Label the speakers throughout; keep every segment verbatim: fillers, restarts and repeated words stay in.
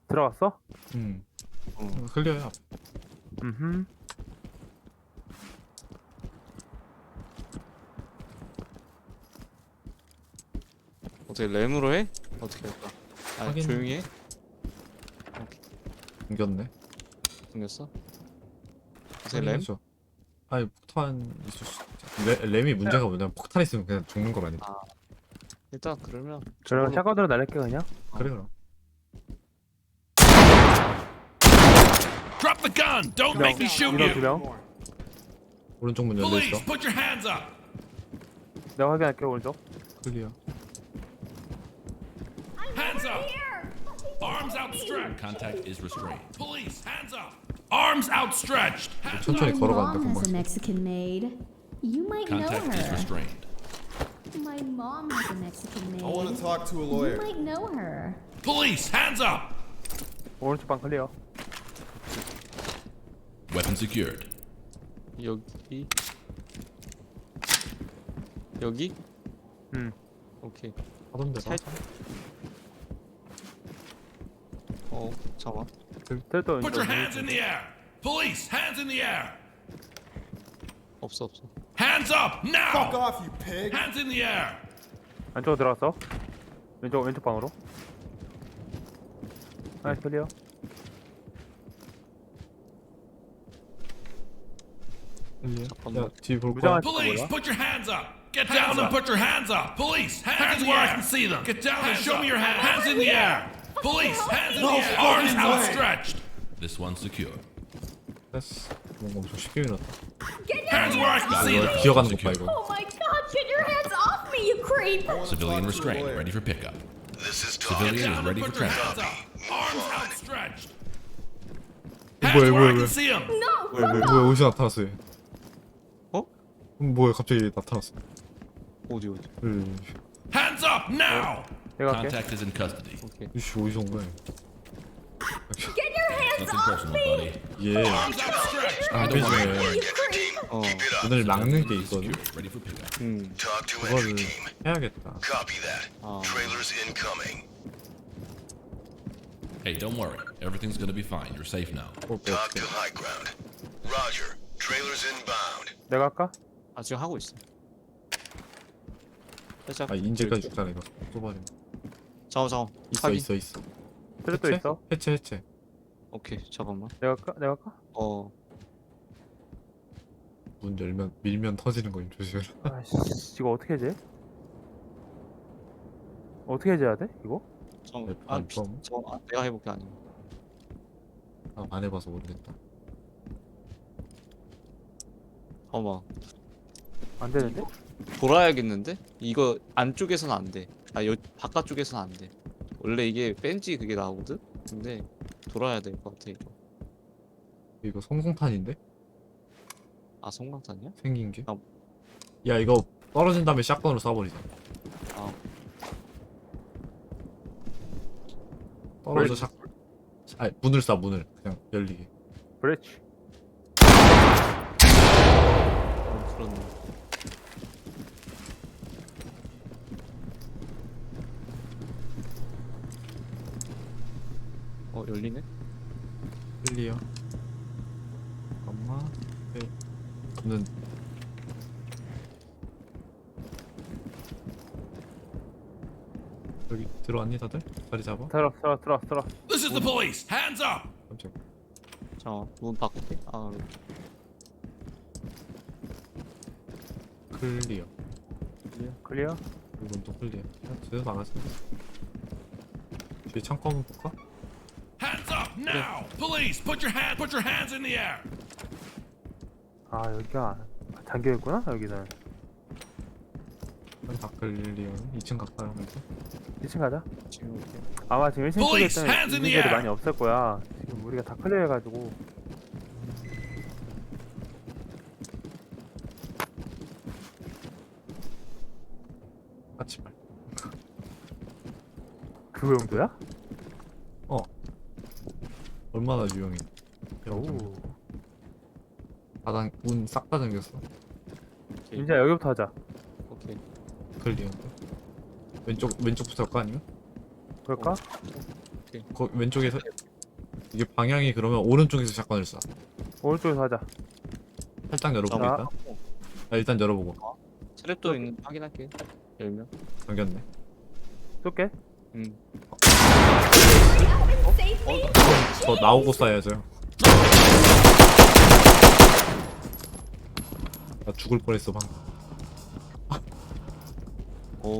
Speaker 1: 들어갔어?
Speaker 2: 음.
Speaker 3: 어.
Speaker 2: 클리어야.
Speaker 1: 음흠.
Speaker 3: 어떻게 램으로 해? 어떻게 할까? 아
Speaker 2: 확인.
Speaker 3: 조용히 해?
Speaker 2: 생겼네.
Speaker 3: 생겼어? 어떻게 램?
Speaker 2: 확인해줘. 아니 폭탄 있을 수 있지. 레, 램이 문제가 뭐냐면 폭탄 있으면 그냥 죽는 거라니까.
Speaker 3: 아 일단 그러면
Speaker 1: 그럼
Speaker 3: 저걸로-
Speaker 1: 샷건으로 날릴게 그냥.
Speaker 2: 그래 그럼.
Speaker 4: Drop the gun! Don't
Speaker 1: 두 명,
Speaker 4: make me shoot
Speaker 1: 이런
Speaker 4: you!
Speaker 1: 두 명.
Speaker 2: 오른쪽 문 열려 있어.
Speaker 4: Police, put your hands up!
Speaker 1: 내가 확인할게 오른쪽.
Speaker 2: 클리어.
Speaker 4: Hands up! Arms outstretched! Contact is restrained. Police, hands up! Arms outstretched! Hands
Speaker 2: 천천히
Speaker 5: My
Speaker 2: 걸어가는데
Speaker 5: mom has a
Speaker 2: 금방.
Speaker 5: Mexican maid. You might know
Speaker 4: Contact is
Speaker 5: her.
Speaker 4: restrained.
Speaker 5: My mom has a Mexican maid.
Speaker 6: I want to talk to a
Speaker 5: You
Speaker 6: lawyer.
Speaker 5: might know her.
Speaker 4: Police, hands up!
Speaker 1: 오른쪽 방 클리어.
Speaker 4: Weapon secured.
Speaker 3: 여기 여기?
Speaker 1: 응.
Speaker 3: 오케이.
Speaker 2: 하던데 봐.
Speaker 3: 살- 어 잠깐.
Speaker 1: 텔도
Speaker 4: Put your hands in the air! Police, hands in the air!
Speaker 3: 없어 없어.
Speaker 4: Hands up,
Speaker 6: Fuck
Speaker 4: now!
Speaker 6: off, you pig!
Speaker 4: Hands in the air!
Speaker 1: 안쪽으로 들어갔어. 왼쪽 왼쪽 방으로. 아 클리어.
Speaker 2: 클리어.
Speaker 3: 잠깐만.
Speaker 2: 야, 뒤 볼
Speaker 1: 무장한
Speaker 2: 거야.
Speaker 4: Police,
Speaker 1: 뭐야?
Speaker 4: put your hands up! Get down and put your hands up! Police, hands, in the air! I can see them! Get down and show me your hands! Hands in the air! Police, hands in the air! Arms outstretched! This one's secure.
Speaker 2: 됐어. 뭔가 엄청 쉽게 밀었다.
Speaker 4: Hands where I can see
Speaker 2: 이거
Speaker 4: them!
Speaker 2: 기어가는 것 봐 이거.
Speaker 5: Oh my god, get your hands off me, you creep!
Speaker 6: I want to
Speaker 4: Civilian
Speaker 6: talk to a
Speaker 4: restrained,
Speaker 6: lawyer.
Speaker 4: ready for pickup.
Speaker 7: This is Tom.
Speaker 4: Civilian is
Speaker 7: Down.
Speaker 4: ready for
Speaker 7: Put your
Speaker 4: transport.
Speaker 7: hands up.
Speaker 4: Arms outstretched.
Speaker 2: 뭐야,
Speaker 4: Hands where
Speaker 2: 뭐야,
Speaker 4: I
Speaker 2: 뭐야.
Speaker 4: can see them.
Speaker 5: No!
Speaker 3: 왜 왜?
Speaker 2: 뭐야 어디서 나타났어 얘?
Speaker 3: 어?
Speaker 2: 음, 뭐야 갑자기 나타났어.
Speaker 3: 어디 어디?
Speaker 2: 음,
Speaker 4: Hands up now.
Speaker 1: 내가 할게.
Speaker 4: Contact is in custody.
Speaker 3: 오케이.
Speaker 2: 이씨 어디서 온 거야?
Speaker 5: Get your hands
Speaker 4: Nothing
Speaker 5: off
Speaker 4: personal,
Speaker 5: me!
Speaker 4: buddy.
Speaker 2: 얘
Speaker 4: Arms outstretched.
Speaker 2: 안
Speaker 5: Get
Speaker 2: 되지네.
Speaker 5: you creep!
Speaker 3: 어.
Speaker 2: 문을 막는 게
Speaker 4: Is
Speaker 2: 있거든.
Speaker 4: secure, ready for pickup.
Speaker 3: 음.
Speaker 7: Talk to entry
Speaker 2: 그거를
Speaker 7: team.
Speaker 2: 해야겠다.
Speaker 7: Copy that.
Speaker 3: 아.
Speaker 7: Trailers incoming.
Speaker 4: Hey, don't worry. Everything's gonna be fine. You're safe now.
Speaker 2: 어,
Speaker 7: Talk to high ground. Roger. Trailers inbound.
Speaker 1: 내가 할까?
Speaker 3: 아 지금 하고 있어. 살짝.
Speaker 2: 아 인제까지 죽잖아 이거. 쏘버림.
Speaker 3: 잠깐 잠깐.
Speaker 2: 있어
Speaker 3: 확인.
Speaker 2: 있어 있어.
Speaker 1: 텔도
Speaker 2: 해체?
Speaker 1: 있어.
Speaker 2: 해체 해체.
Speaker 3: 오케이 잠깐만.
Speaker 1: 내가 할까? 내가 할까?
Speaker 3: 어.
Speaker 2: 문 열면 밀면 터지는 거 조심해라.
Speaker 1: 아씨 이거 어떻게 해제? 어떻게 해제해야 돼? 이거?
Speaker 3: 잠깐.
Speaker 2: 네,
Speaker 3: 아
Speaker 2: 네,
Speaker 3: 비,
Speaker 2: 그럼.
Speaker 3: 저 아, 내가 해볼게 아니면.
Speaker 2: 아, 안 해봐서 모르겠다.
Speaker 3: 잠깐만.
Speaker 1: 안 되는데?
Speaker 3: 돌아야겠는데? 이거 안쪽에서는 안 돼. 아, 여, 바깥쪽에서는 안 돼. 원래 이게 벤지 그게 나오거든? 근데 돌아야 될 것 같아, 이거.
Speaker 2: 이거 성공탄인데?
Speaker 3: 아, 성광탄이야?
Speaker 2: 생긴 게?
Speaker 3: 아.
Speaker 2: 야 이거 떨어진 다음에 샷건으로 쏴버리자.
Speaker 3: 아,
Speaker 2: 떨어져 샷. 아 문을 쏴 문을 그냥 열리게.
Speaker 1: 브레치.
Speaker 3: 어, 그렇네. 어, 열리네?
Speaker 2: 클리어. 잠깐만. 네. 는 여기 들어왔니 다들? 자리 잡아.
Speaker 1: 들어 들어 들어 들어.
Speaker 4: This is the police. Hands up.
Speaker 2: 깜짝.
Speaker 3: 잠깐만, 문 바꿀게. 아,
Speaker 2: 클리어.
Speaker 1: 클리어.
Speaker 2: 이건 또 클리어. 야, 제대로 나갔어. 뒤에 창고 한번 볼까?
Speaker 4: Hands up now. Police, put your hand, put your hands in the air.
Speaker 1: 아 여기가 잠겨 있구나 여기는.
Speaker 2: 다 클리어. 이 층 가까이 하면서.
Speaker 1: 이 층 가자.
Speaker 3: 지금 이렇게.
Speaker 1: 아마 지금 일 층 쪽에
Speaker 4: Police,
Speaker 1: 때문에
Speaker 4: hands in
Speaker 1: 있는
Speaker 4: the
Speaker 1: 애들이
Speaker 4: air.
Speaker 1: 많이 없을 거야. 지금 우리가 다 클리어 해가지고.
Speaker 2: 같이 말.
Speaker 1: 그 용도야?
Speaker 2: 어. 얼마나 유용해.
Speaker 1: 오.
Speaker 2: 바닥 문 싹 다 잠겼어.
Speaker 3: 오케이.
Speaker 1: 이제 여기부터 하자.
Speaker 3: 오케이.
Speaker 2: 클리어. 왼쪽 왼쪽부터 할까 아니면?
Speaker 1: 그럴까?
Speaker 3: 오케이. 오케이.
Speaker 2: 거, 왼쪽에서 이게 방향이 그러면 오른쪽에서 샷건을 쏴.
Speaker 1: 오른쪽에서 하자.
Speaker 2: 살짝 열어보고
Speaker 1: 자.
Speaker 2: 일단. 아, 일단 열어보고.
Speaker 3: 트랩도 있는 확인할게. 열면.
Speaker 2: 잠겼네.
Speaker 1: 쏠게.
Speaker 3: 음.
Speaker 5: Save me.
Speaker 2: 더 나오고 쏴야죠. 나 죽을 뻔했어 방금.
Speaker 3: 어우.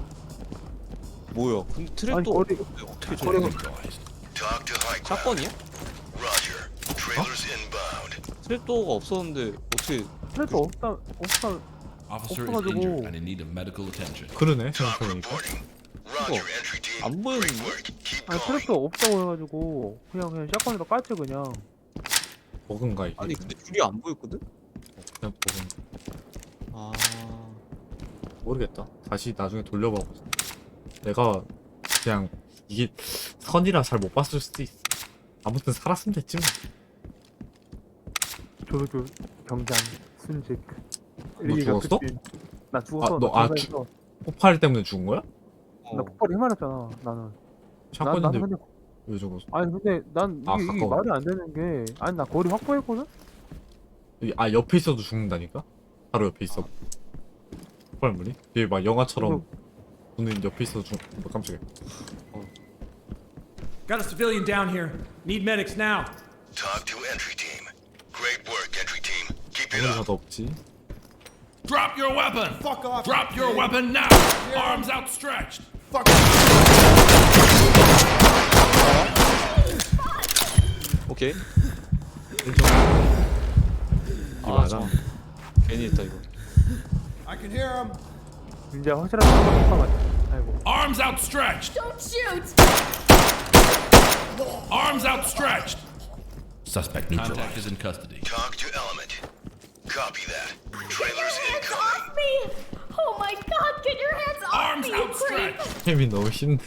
Speaker 3: 뭐야? 근데
Speaker 1: 아니,
Speaker 3: 트랩도
Speaker 1: 거리-
Speaker 3: 어떻게
Speaker 1: 거리-
Speaker 3: 저래?
Speaker 7: Talk to high ground.
Speaker 3: 샷건이야?
Speaker 7: Roger. Trailers inbound.
Speaker 3: 트랩도가 없었는데 어떻게?
Speaker 1: 그래도 없다 없다.
Speaker 4: Officer is
Speaker 1: 없어가지고.
Speaker 4: injured and in need of medical attention.
Speaker 2: 그러네
Speaker 7: Talk
Speaker 2: 생각해보니까.
Speaker 7: reporting. Roger, entry team.
Speaker 3: 안 보이는데?
Speaker 7: Great work. Keep
Speaker 1: 아니
Speaker 7: going.
Speaker 1: 트랩도 없다고 해가지고 그냥 그냥 샷건에다 깠지 그냥.
Speaker 2: 버그인가 이게?
Speaker 3: 아니 근데 줄이 안 보였거든?
Speaker 2: 그냥 버그.
Speaker 3: 아.
Speaker 2: 모르겠다. 다시 나중에 돌려봐 보자. 내가 그냥 이게 선이라 잘 못 봤을 수도 있어. 아무튼 살았으면 됐지 뭐.
Speaker 1: 조조 경장 순직.
Speaker 2: 너 죽었어?
Speaker 1: 나 죽었어.
Speaker 2: 아, 너-
Speaker 1: 나
Speaker 2: 아,
Speaker 1: 죽었어.
Speaker 2: 폭발 때문에 죽은 거야?
Speaker 3: 어.
Speaker 1: 나 폭발이 해말했잖아 나는. 난,
Speaker 2: 샷건인데
Speaker 1: 나는 근데
Speaker 2: 왜 죽었어?
Speaker 1: 아니 근데 난 이게,
Speaker 2: 아,
Speaker 1: 이게
Speaker 2: 가까워.
Speaker 1: 말이 안 되는 게 아니 나 거리 확보했거든?
Speaker 2: 여기- 아 옆에 있어도 죽는다니까? 바로 옆에 있어. 폭발물이? 이게 막 영화처럼 오늘 옆에 있어도 죽. 뭐 깜짝이야.
Speaker 6: Got a civilian down here. Need medics now.
Speaker 7: Talk to entry team. Great work, entry team. Keep it
Speaker 2: 아무리
Speaker 7: up.
Speaker 2: 가도 없지.
Speaker 4: Drop your weapon!
Speaker 6: Fuck off.
Speaker 4: Drop your weapon now! Arms outstretched!
Speaker 3: 오케이.
Speaker 2: 일정. 이거
Speaker 3: 아,
Speaker 2: 맞아.
Speaker 3: 잠깐만. 괜히 했다 이거.
Speaker 6: I can hear him.
Speaker 1: 이제 확실하게 한번 맞 아이고.
Speaker 4: Arms outstretched!
Speaker 5: Don't shoot.
Speaker 4: Arms outstretched! Suspect neutralized. Contact is in custody.
Speaker 7: Talk to element. Copy that. Trailers
Speaker 5: Hands
Speaker 7: incoming.
Speaker 5: off me. Oh my god, get your hands off
Speaker 4: Arms
Speaker 5: me, you creep.
Speaker 4: outstretched!
Speaker 2: 템이 너무 힘들.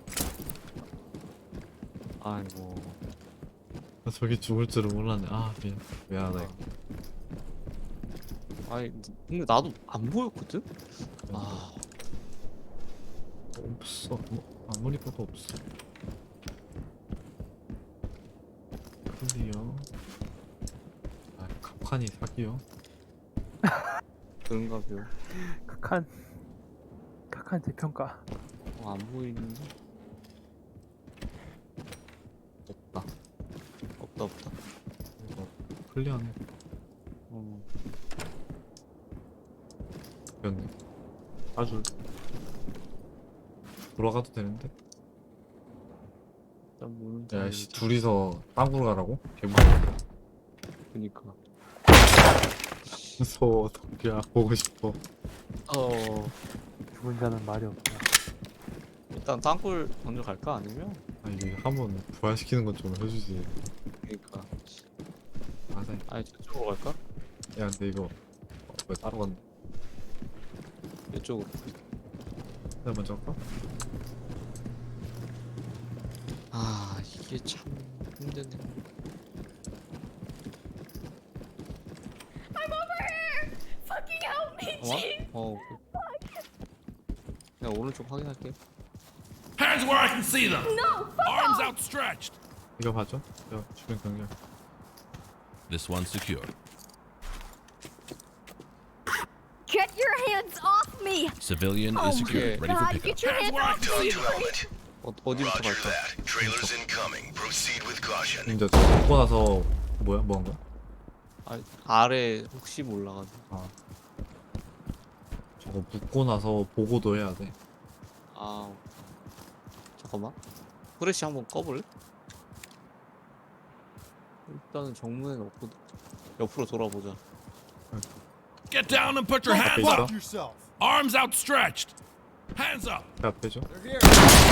Speaker 3: 아이고.
Speaker 2: 아, 저기 죽을 줄은 몰랐네. 아 미안. 미안하다. 이거.
Speaker 3: 아니 근데 나도 안 보였거든? 아.
Speaker 2: 없어. 뭐, 아무리 봐도 없어. 클리어. 아 갑칸이 사기요.
Speaker 3: 그런가 봐요.
Speaker 1: 극한 극한 재평가.
Speaker 3: 어, 안 보이는데? 없다. 없다 없다.
Speaker 2: 이거 클리어네.
Speaker 3: 어.
Speaker 2: 됐네. 아주 돌아가도 되는데.
Speaker 3: 일단 모르는데.
Speaker 2: 야씨 둘이서 땅으로 가라고? 개무
Speaker 3: 그니까.
Speaker 2: 무서워. 덕기야 보고 싶어.
Speaker 3: 어.
Speaker 1: 죽은 자는 말이 없다.
Speaker 3: 일단 땅굴 먼저 갈까 아니면?
Speaker 2: 아 이게 한번 부활시키는 건 좀 해주지.
Speaker 3: 그니까.
Speaker 2: 맞아.
Speaker 3: 아니 저쪽으로 갈까?
Speaker 2: 야 근데 이거 어, 왜 따로 갔네.
Speaker 3: 이쪽으로.
Speaker 2: 내가 먼저 할까?
Speaker 3: 아 이게 참 힘드네.
Speaker 5: I'm over here. Fucking help me,
Speaker 3: 잠깐만.
Speaker 5: jeez.
Speaker 3: 어. 내가 오른쪽 확인할게.
Speaker 4: Hands where I can see them!
Speaker 5: No, fuck
Speaker 4: Arms
Speaker 5: off.
Speaker 4: outstretched!
Speaker 2: 이거 봐줘. 야 주변 경계.
Speaker 4: This one's secure.
Speaker 5: Get your hands off me.
Speaker 4: Civilian
Speaker 5: Oh
Speaker 4: is secured,
Speaker 5: my
Speaker 4: ready for
Speaker 5: god,
Speaker 4: pickup.
Speaker 5: get your hands off
Speaker 7: Talk
Speaker 5: me,
Speaker 7: to
Speaker 5: you creep.
Speaker 7: element.
Speaker 3: 어, 어디부터
Speaker 7: Roger
Speaker 3: 갈까?
Speaker 7: that. Trailers incoming. Proceed with caution.
Speaker 2: 이제 저 먹고 나서 뭐야 뭐 한 거야?
Speaker 3: 아 아래 혹시 몰라가지고.
Speaker 2: 아 저거 묻고 나서 보고도 해야 돼.
Speaker 3: 아 잠깐만. 프레시 한번 꺼볼래? 일단은 정문에는 없거든. 옆으로 돌아보자.
Speaker 4: Get down and put your
Speaker 2: 앞에
Speaker 4: hands
Speaker 2: 있어?
Speaker 4: up!
Speaker 6: Yourself.
Speaker 4: Arms outstretched! Hands up!
Speaker 2: 내 앞에죠?
Speaker 6: They're here.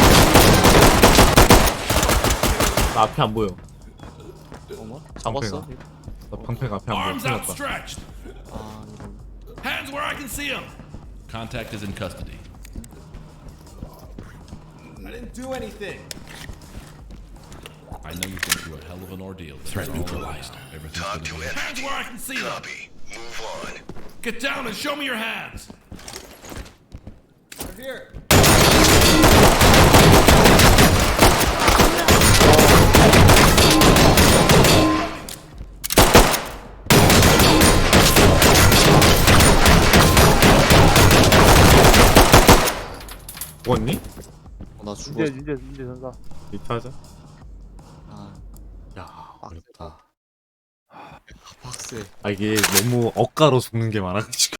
Speaker 2: 나 앞에 안 보여.
Speaker 3: 잠깐만. 잡았어?
Speaker 2: 나 방패가 앞에 안 보여.
Speaker 4: Arms
Speaker 2: 큰일 났다.
Speaker 4: outstretched!
Speaker 3: 아 이런.
Speaker 4: Hands where I can see them! Contact is in custody.
Speaker 6: I didn't do anything.
Speaker 4: I know you've been through a hell of an ordeal. Threat neutralized. Everything's
Speaker 7: Talk to
Speaker 4: gonna be
Speaker 7: entry
Speaker 4: Hands where I can see
Speaker 7: team.
Speaker 4: them!
Speaker 7: Copy. Move on.
Speaker 4: Get down and show me your hands!
Speaker 6: They're here.
Speaker 2: 죽었니?
Speaker 3: 어, 나
Speaker 1: 윤재
Speaker 3: 죽었어.
Speaker 1: 윤재 윤재 전사.
Speaker 2: 리트하자.
Speaker 3: 아,
Speaker 2: 야 어렵다.
Speaker 3: 박스.
Speaker 2: 아 이게 너무 억가로 죽는 게 많아가지고.